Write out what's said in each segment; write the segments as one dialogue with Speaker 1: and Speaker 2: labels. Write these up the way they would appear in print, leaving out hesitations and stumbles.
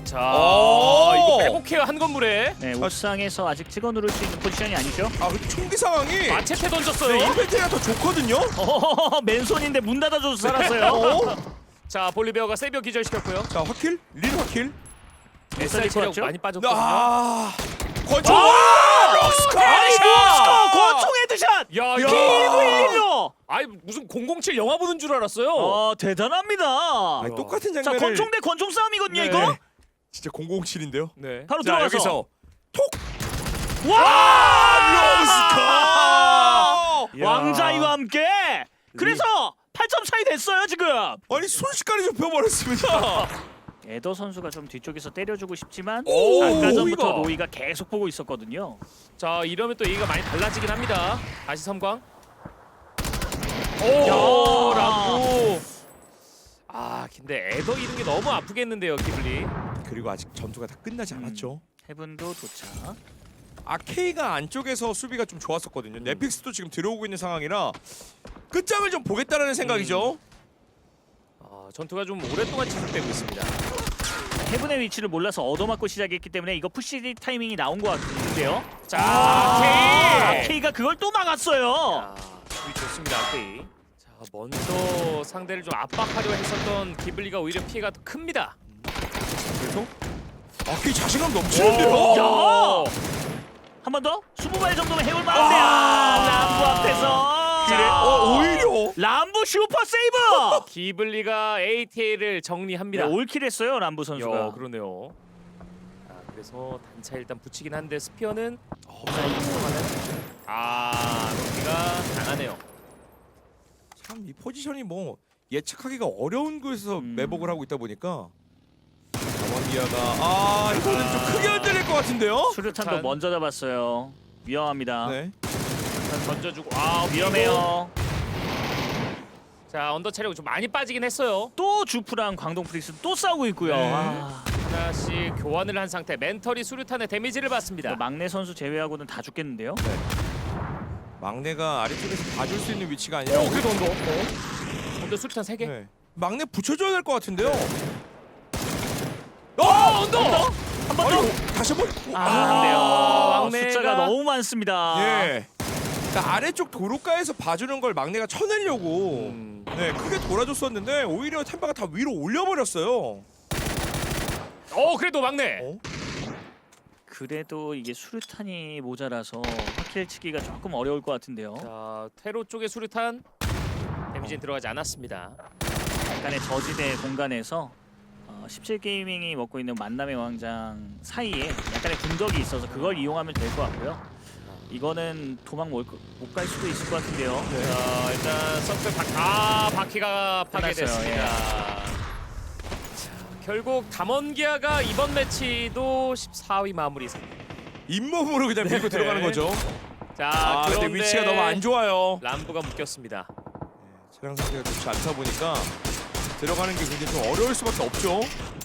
Speaker 1: 자, 이거 빼곡해요 한 건물에.
Speaker 2: 네, 옥상에서 아직 찍어 누를 수 있는 포지션이 아니죠.
Speaker 3: 아 근데 총기 상황이
Speaker 1: 마체테 던졌어요.
Speaker 3: 인벤트리가 더 좋거든요.
Speaker 2: 맨손인데 문 닫아줘서 살았어요.
Speaker 1: 자, 볼리베어가 세비어 기절시켰고요.
Speaker 3: 자 확킬, 린 확킬.
Speaker 1: SR 체력
Speaker 2: 같죠?
Speaker 1: 많이 빠졌거든요.
Speaker 3: 아 권총. 록스카.
Speaker 2: 권총 헤드샷.
Speaker 1: 야,
Speaker 2: 이거
Speaker 1: 이거
Speaker 2: 1로.
Speaker 1: 아이 무슨 007 영화 보는 줄 알았어요.
Speaker 2: 대단합니다.
Speaker 3: 아니, 똑같은
Speaker 2: 자,
Speaker 3: 장면을.
Speaker 2: 권총 대 권총 싸움이거든요,
Speaker 1: 네.
Speaker 2: 이거.
Speaker 3: 진짜 007인데요.
Speaker 1: 네.
Speaker 2: 바로
Speaker 3: 자
Speaker 2: 들어가서.
Speaker 3: 여기서 톡.
Speaker 2: 와!
Speaker 3: 록스카.
Speaker 2: 왕자이와 함께. 그래서 8점 차이 됐어요, 지금.
Speaker 3: 아니 순식간에 좁혀버렸습니다.
Speaker 2: 에더 선수가 좀 뒤쪽에서 때려주고 싶지만
Speaker 3: 오,
Speaker 2: 아까 전부터
Speaker 3: 로이가.
Speaker 2: 로이가 계속 보고 있었거든요.
Speaker 1: 자, 이러면 또 얘기가 많이 달라지긴 합니다. 다시 섬광.
Speaker 2: 야.
Speaker 1: 오, 라고. 아, 근데 에더 이런 게 너무 아프겠는데요, 기블리.
Speaker 3: 그리고 아직 전투가 다 끝나지 않았죠.
Speaker 2: 헤븐도 도착.
Speaker 3: 아케이가 안쪽에서 수비가 좀 좋았었거든요. 넷픽스도 지금 들어오고 있는 상황이라 끝장을 좀 보겠다라는 생각이죠.
Speaker 1: 전투가 좀 오랫동안 지속되고 있습니다.
Speaker 2: 헤븐의 위치를 몰라서 얻어맞고 시작했기 때문에 이거 푸시 타이밍이 나온 것 같은데요.
Speaker 1: 자,
Speaker 2: 아케이!
Speaker 1: 아케이.
Speaker 2: 아케이가 그걸 또 막았어요.
Speaker 1: 아, 수비 좋습니다, 아케이. 자, 먼저 상대를 좀 압박하려 했었던 기블리가 오히려 피해가 더 큽니다.
Speaker 3: 그래서 아케이 자신감 넘치는데요.
Speaker 1: 오.
Speaker 2: 한 번 더? 20발 정도면 해올 만한데 람부 앞에서
Speaker 1: 그래,
Speaker 3: 오히려
Speaker 2: 람부 슈퍼 세이브!
Speaker 1: 기블리가 ATA를 정리합니다.
Speaker 2: 네, 올킬 했어요 람부 선수가.
Speaker 1: 야, 그러네요. 자, 그래서 단차 일단 붙이긴 한데 스피어는 록키가 강하네요.
Speaker 3: 참 이 포지션이 뭐 예측하기가 어려운 곳에서 매복을 하고 있다 보니까 자원비아가 이거는 좀 크게 흔들릴 것 같은데요.
Speaker 2: 수류탄도
Speaker 1: 수류탄.
Speaker 2: 먼저 잡았어요. 위험합니다.
Speaker 3: 네.
Speaker 1: 일단 던져주고
Speaker 2: 위험해요.
Speaker 1: 자, 언더 체력이 좀 많이 빠지긴 했어요.
Speaker 2: 또 주프랑 광동 프리스 또 싸우고 있고요.
Speaker 3: 네.
Speaker 1: 하나씩 교환을 한 상태. 멘털이 수류탄에 데미지를 받습니다.
Speaker 2: 막내 선수 제외하고는 다 죽겠는데요.
Speaker 3: 막내가 아래쪽에서 봐줄 수 있는 위치가 아니라
Speaker 1: 그래도 언더. 언더 수류탄 3개.
Speaker 3: 네. 막내 붙여줘야 될 것 같은데요.
Speaker 1: 언더!
Speaker 2: 한 번 더.
Speaker 3: 다시 한번.
Speaker 2: 안 돼요.
Speaker 1: 막내가-
Speaker 2: 숫자가 너무 많습니다.
Speaker 3: 예. 그러니까 아래쪽 도로가에서 봐주는 걸 막내가 쳐내려고 네 크게 돌아줬었는데 오히려 템바가 다 위로 올려버렸어요.
Speaker 1: 그래도 막내.
Speaker 2: 그래도 이게 수류탄이 모자라서 확킬 치기가 조금 어려울 것 같은데요.
Speaker 1: 자, 테로 쪽의 수류탄 데미지는 들어가지 않았습니다.
Speaker 2: 약간의 저지대 공간에서 17게이밍이 먹고 있는 만남의 왕장 사이에 약간의 군덕이 있어서 그걸 이용하면 될 것 같고요. 이거는 도망 못 갈 수도 있을 것 같은데요.
Speaker 1: 자, 일단 서클 바퀴가 파괴됐습니다.
Speaker 2: 끝났어요,
Speaker 1: 자, 결국 담원기아가 이번 매치도 14위 마무리.
Speaker 3: 잇몸으로 그냥 밀고 들어가는 거죠.
Speaker 1: 자,
Speaker 3: 근데
Speaker 1: 그런데
Speaker 3: 위치가 너무 안 좋아요.
Speaker 1: 람부가 묶였습니다.
Speaker 3: 차량 상태가 좋지 않다 보니까 들어가는 게 굉장히 좀 어려울 수밖에 없죠.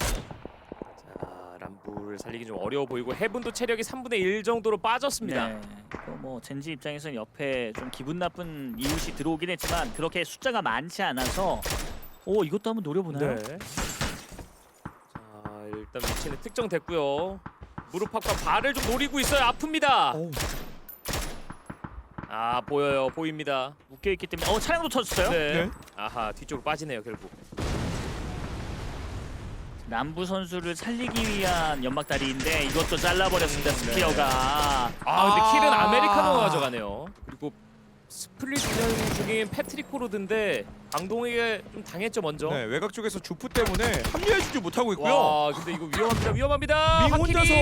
Speaker 1: 자, 람부를 살리기 좀 어려워 보이고 해븐도 체력이 3분의 1 정도로 빠졌습니다.
Speaker 2: 네. 뭐 젠지 입장에서는 옆에 좀 기분 나쁜 이웃이 들어오긴 했지만 그렇게 숫자가 많지 않아서 이것도 한번 노려보나요?
Speaker 1: 네. 자, 일단 위치는 특정됐고요. 무릎팍과 발을 좀 노리고 있어요. 아픕니다.
Speaker 3: 어우.
Speaker 1: 보입니다.
Speaker 2: 묶여있기 때문에 차량도 터졌어요?
Speaker 1: 네.
Speaker 3: 네.
Speaker 1: 아하, 뒤쪽으로 빠지네요, 결국.
Speaker 2: 남부 선수를 살리기 위한 연막다리인데 이것도 잘라버렸습니다. 스피어가.
Speaker 1: 근데 킬은 아메리카노가 가져가네요. 그리고 스플릿 운영 중인 패트릭 포로드인데 강동에게 좀 당했죠, 먼저.
Speaker 3: 네, 외곽 쪽에서 주프 때문에 합류해주지 못하고 있고요.
Speaker 1: 와, 근데 이거 위험합니다.
Speaker 3: 밍 혼자서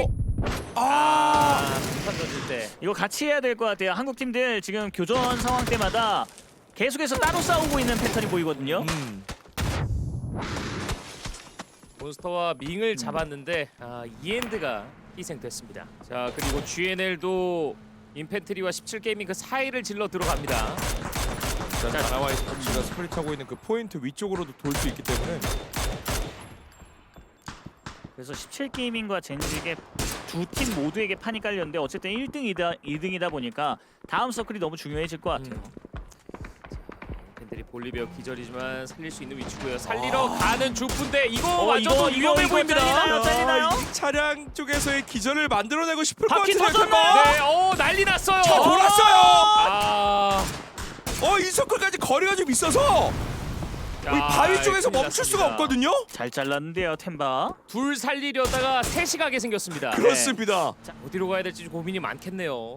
Speaker 1: 폭탄 던질 때.
Speaker 2: 이거 같이 해야 될 것 같아요. 한국 팀들 지금 교전 상황 때마다 계속해서 따로 싸우고 있는 패턴이 보이거든요.
Speaker 1: 몬스터와 밍을 잡았는데 이엔드가 희생됐습니다. 자, 그리고 GNL도 인펜트리와 17게이밍 그 사이를 질러 들어갑니다.
Speaker 3: 일단 나나와의 스포츠가 스플릿하고 있는 그 포인트 위쪽으로도 돌 수 있기 때문에
Speaker 2: 그래서 17게이밍과 젠지에게 두 팀 모두에게 판이 깔렸는데 어쨌든 1등이다 보니까 다음 서클이 너무 중요해질 것 같아요.
Speaker 1: 패트릭 볼리비아 기절이지만 살릴 수 있는 위치고요. 살리러 가는 주프인데 이거 완전
Speaker 2: 이거
Speaker 1: 위험해 보입니다.
Speaker 2: 잘리나요?
Speaker 3: 이 차량 쪽에서의 기절을 만들어내고 싶을 것
Speaker 2: 바퀴
Speaker 3: 같은데
Speaker 2: 터졌나요?
Speaker 1: 네, 난리 났어요.
Speaker 3: 차 돌았어요.
Speaker 1: 아,
Speaker 3: 이 서클까지 거리가 좀 있어서 이 바위 쪽에서
Speaker 1: 큰일
Speaker 3: 멈출 수가
Speaker 1: 났습니다.
Speaker 3: 없거든요.
Speaker 2: 잘 잘랐는데요, 템바.
Speaker 1: 둘 살리려다가 셋이 가게 생겼습니다.
Speaker 3: 그렇습니다.
Speaker 1: 자, 어디로 가야 될지 고민이 많겠네요.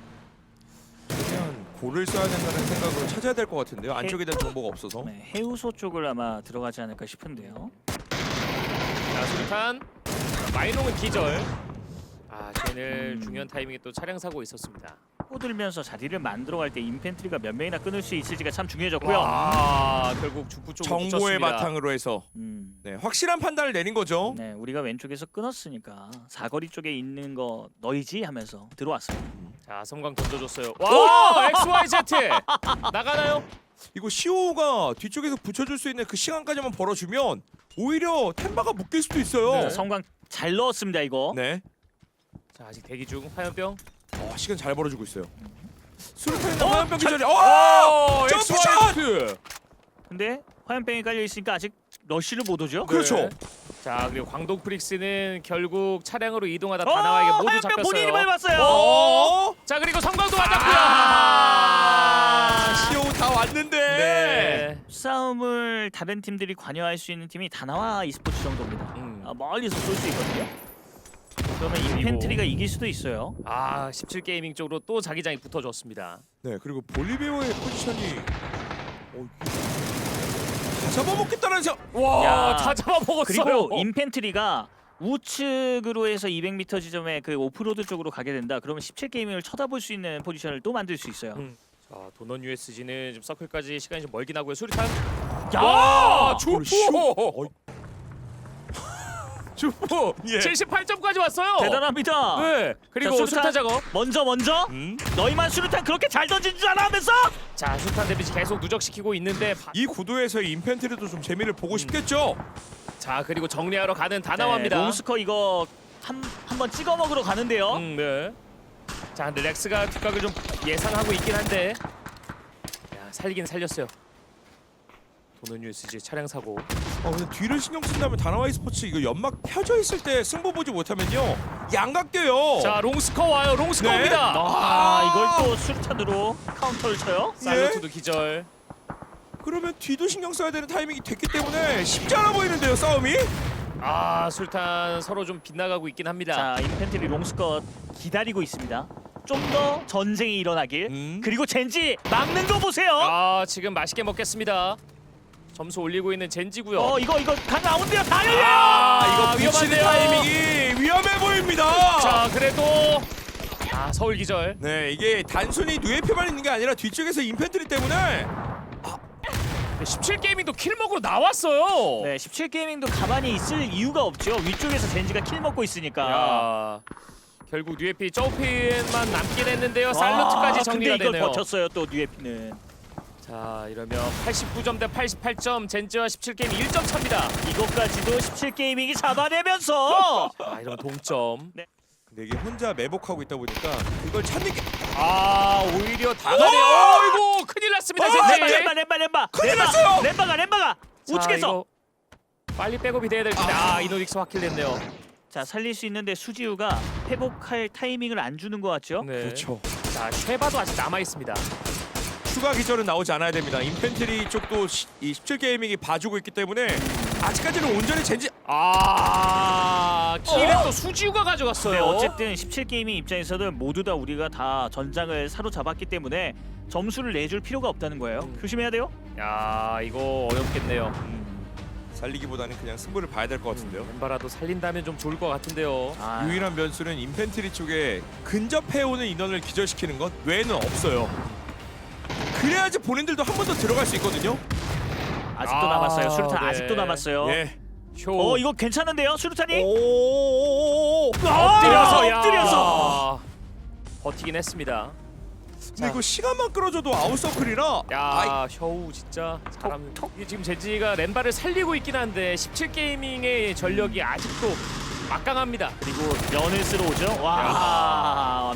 Speaker 3: 그냥 골을 써야 된다는 생각으로 찾아야 될 것 같은데요. 안쪽에 대한 정보가 없어서.
Speaker 2: 네, 해우소 쪽을 아마 들어가지 않을까 싶은데요.
Speaker 1: 자, 수류탄. 마이농은 기절. 쟤는 중요한 타이밍에 또 차량 사고 있었습니다.
Speaker 2: 꼬들면서 자리를 만들어갈 때 인펜트리가 몇 명이나 끊을 수 있을지가 참 중요해졌고요.
Speaker 1: 결국 주프 쪽으로
Speaker 3: 정보의
Speaker 1: 붙였습니다.
Speaker 3: 바탕으로 해서 확실한 판단을 내린 거죠.
Speaker 2: 네, 우리가 왼쪽에서 끊었으니까 사거리 쪽에 있는 거 너희지 하면서 들어왔어요.
Speaker 1: 자, 섬광 던져줬어요. 와, XYZ 나가나요?
Speaker 3: 이거 시오가 뒤쪽에서 붙여줄 수 있는 그 시간까지만 벌어주면 오히려 템바가 묶일 수도 있어요.
Speaker 1: 네.
Speaker 3: 네.
Speaker 2: 성광 잘 넣었습니다 이거.
Speaker 1: 자, 아직 대기 중. 화염병.
Speaker 3: 시간 잘 벌어주고 있어요. 수류탄이나
Speaker 2: 어?
Speaker 3: 화염병 기절이. 점프샷!
Speaker 1: XYZ.
Speaker 2: 근데 화염병이 깔려 있으니까 아직 러쉬를 못 오죠.
Speaker 3: 그렇죠.
Speaker 1: 네. 자, 그리고 광동 프릭스는 결국 차량으로 이동하다 다나와에게 모두
Speaker 2: 화염병
Speaker 1: 잡혔어요.
Speaker 2: 본인이 밟았어요.
Speaker 1: 자, 그리고 성광도 맞았고요.
Speaker 3: 시오 다 왔는데.
Speaker 1: 네.
Speaker 2: 싸움을 다른 팀들이 관여할 수 있는 팀이 다나와 e스포츠 정도입니다. 멀리서 쏠 수 있거든요. 그러면 인펜트리가 이길 수도 있어요.
Speaker 1: 17게이밍 쪽으로 또 자기장이 붙어줬습니다.
Speaker 3: 네, 그리고 볼리비오의 포지션이 다 잡아먹겠다는 생각.
Speaker 1: 와, 다 잡아먹었어요.
Speaker 2: 그리고 인펜트리가 우측으로 해서 200m 지점에 그 오프로드 쪽으로 가게 된다. 그러면 17게이밍을 쳐다볼 수 있는 포지션을 또 만들 수 있어요.
Speaker 1: 자, 도넌 USG는 지금 서클까지 시간이 좀 멀긴 하고요. 수류탄.
Speaker 2: 야!
Speaker 1: 와, 주포. 주포.
Speaker 3: 예.
Speaker 1: 78점까지 왔어요.
Speaker 2: 대단합니다.
Speaker 1: 네. 그리고
Speaker 2: 자,
Speaker 1: 수류탄 작업.
Speaker 2: 먼저 너희만 수류탄 그렇게 잘 던진 줄 알아 하면서
Speaker 1: 자, 수류탄 데미지 계속 누적시키고 있는데
Speaker 3: 이 구도에서의 인펜트리도 좀 재미를 보고 싶겠죠.
Speaker 1: 자, 그리고 정리하러 가는 다나와입니다.
Speaker 2: 네, 롱스커 이거 한번 찍어 먹으러 가는데요.
Speaker 1: 네. 자, 근데 렉스가 뒷각을 좀 예상하고 있긴 한데, 살리긴 살렸어요. 도는 USG 차량 사고.
Speaker 3: 근데 뒤를 신경 쓴다면 다나와이 스포츠 이거 연막 펴져 있을 때 승부 보지 못하면요 양각돼요.
Speaker 1: 자, 롱스커 와요. 롱스커입니다.
Speaker 2: 이걸 또 수류탄으로 카운터를 쳐요.
Speaker 1: 살루트도 기절.
Speaker 3: 그러면 뒤도 신경 써야 되는 타이밍이 됐기 때문에 쉽지 않아 보이는데요 싸움이.
Speaker 1: 술탄 서로 좀 빗나가고 있긴 합니다.
Speaker 2: 자, 인펜트리 롱스커 기다리고 있습니다. 좀 더 전쟁이 일어나길. 그리고 젠지 막는 거 보세요.
Speaker 1: 지금 맛있게 먹겠습니다. 점수 올리고 있는 젠지고요.
Speaker 2: 이거 강 나온대요. 다 열려요.
Speaker 3: 이거 붙이는
Speaker 1: 위험한데요.
Speaker 3: 타이밍이 위험해 보입니다.
Speaker 1: 자, 그래도 서울 기절.
Speaker 3: 네, 이게 단순히 누에피만 있는 게 아니라 뒤쪽에서 인펜트리 때문에
Speaker 1: 17게이밍도 킬먹으로 나왔어요.
Speaker 2: 네, 17게이밍도 가만히 있을 이유가 없죠. 위쪽에서 젠지가 킬 먹고 있으니까.
Speaker 1: 결국 뉴에피 저우핀만 남긴 했는데요. 살루트까지 정리가
Speaker 2: 근데 이걸
Speaker 1: 되네요.
Speaker 2: 버텼어요. 또 뉴에피는.
Speaker 1: 자, 이러면 89점 대 88점, 젠지와 17게임 1점 차입니다.
Speaker 2: 이것까지도 17게이밍이 잡아내면서
Speaker 1: 이러면 동점.
Speaker 3: 근데 이게 혼자 매복하고 있다 보니까 그걸 찾는 게
Speaker 1: 오히려 다가네요. 이거 큰일 났습니다. 젠지.
Speaker 2: 렘바.
Speaker 3: 큰일 났어요.
Speaker 2: 렘바가 우측에서.
Speaker 1: 빨리 백업이 돼야 될 텐데 이노닉스 확킬됐네요.
Speaker 2: 자, 살릴 수 있는데 수지우가 회복할 타이밍을 안 주는 것 같죠?
Speaker 1: 네.
Speaker 3: 그렇죠.
Speaker 1: 자, 쉐바도 아직 남아 있습니다.
Speaker 3: 추가 기절은 나오지 않아야 됩니다. 인펜트리 쪽도 이 17게이밍이 봐주고 있기 때문에 아직까지는 온전히 젠지
Speaker 1: 킬은 또 수지우가 가져갔어요.
Speaker 2: 네, 어쨌든 17게이밍 입장에서는 모두 다 우리가 다 전장을 사로잡았기 때문에 점수를 내줄 필요가 없다는 거예요. 조심해야 돼요.
Speaker 1: 이거 어렵겠네요.
Speaker 3: 살리기보다는 그냥 승부를 봐야 될 것 같은데요.
Speaker 1: 엠바라도 살린다면 좀 좋을 것 같은데요.
Speaker 3: 유일한 변수는 인펜트리 쪽에 근접해오는 인원을 기절시키는 것 외에는 없어요. 그래야지 본인들도 한 번 더 들어갈 수 있거든요.
Speaker 2: 아직도 남았어요. 수류탄
Speaker 1: 네.
Speaker 2: 아직도 남았어요.
Speaker 3: 예.
Speaker 1: 쇼.
Speaker 2: 이거 괜찮은데요, 수류탄이?
Speaker 1: 엎드려서 버티긴 했습니다.
Speaker 3: 근데 이거 시간만 끌어줘도 아웃서클이라
Speaker 1: 셔우 진짜 사람. 이게 지금 젠지가 램바를 살리고 있긴 한데 17게이밍의 전력이 아직도 막강합니다.
Speaker 2: 그리고 면을 쓰러 오죠.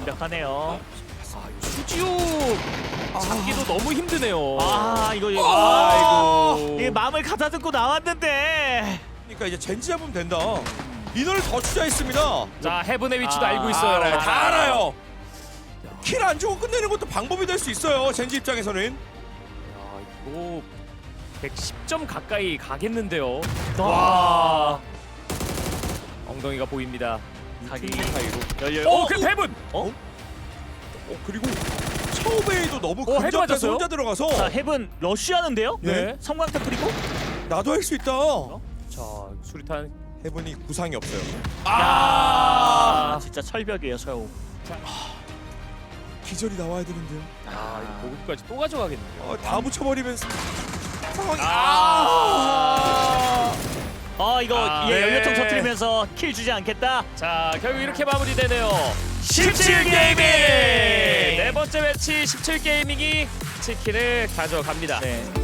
Speaker 2: 완벽하네요.
Speaker 1: 수지우 잡기도 너무 힘드네요.
Speaker 2: 이거 가다듬고 나왔는데.
Speaker 3: 그러니까 이제 젠지 잡으면 된다. 인원을 더 투자했습니다.
Speaker 1: 자 헤븐의 위치도 알고 있어요.
Speaker 3: 알아요. 다 알아요. 킬 안 주고 끝내는 것도 방법이 될 수 있어요. 젠지 입장에서는.
Speaker 1: 야, 이거 110점 가까이 가겠는데요.
Speaker 2: 와.
Speaker 1: 엉덩이가 보입니다.
Speaker 2: 각이
Speaker 3: 사이로.
Speaker 2: 열려.
Speaker 1: 그 헤븐.
Speaker 3: 그리고 처음에도 너무
Speaker 1: 헤드
Speaker 3: 근접해서
Speaker 1: 맞았어요?
Speaker 3: 혼자 들어가서
Speaker 2: 자, 헤븐 러쉬하는데요?
Speaker 1: 네.
Speaker 2: 성광탄 뿌리고.
Speaker 3: 나도 할 수 있다.
Speaker 1: 자 수리탄.
Speaker 3: 해븐이 구상이 없어요.
Speaker 2: 아, 진짜 철벽이에요, 서우.
Speaker 3: 기절이 나와야 되는데요.
Speaker 1: 아 이거 보급까지 또 가져가겠네요.
Speaker 3: 다 붙여버리면 상황이
Speaker 2: 이거
Speaker 1: 네.
Speaker 2: 연료통 터뜨리면서 킬 주지 않겠다.
Speaker 1: 자 결국 이렇게 마무리되네요. 17게이밍 네 번째 매치 17게이밍이 치킨을 가져갑니다.
Speaker 2: 네.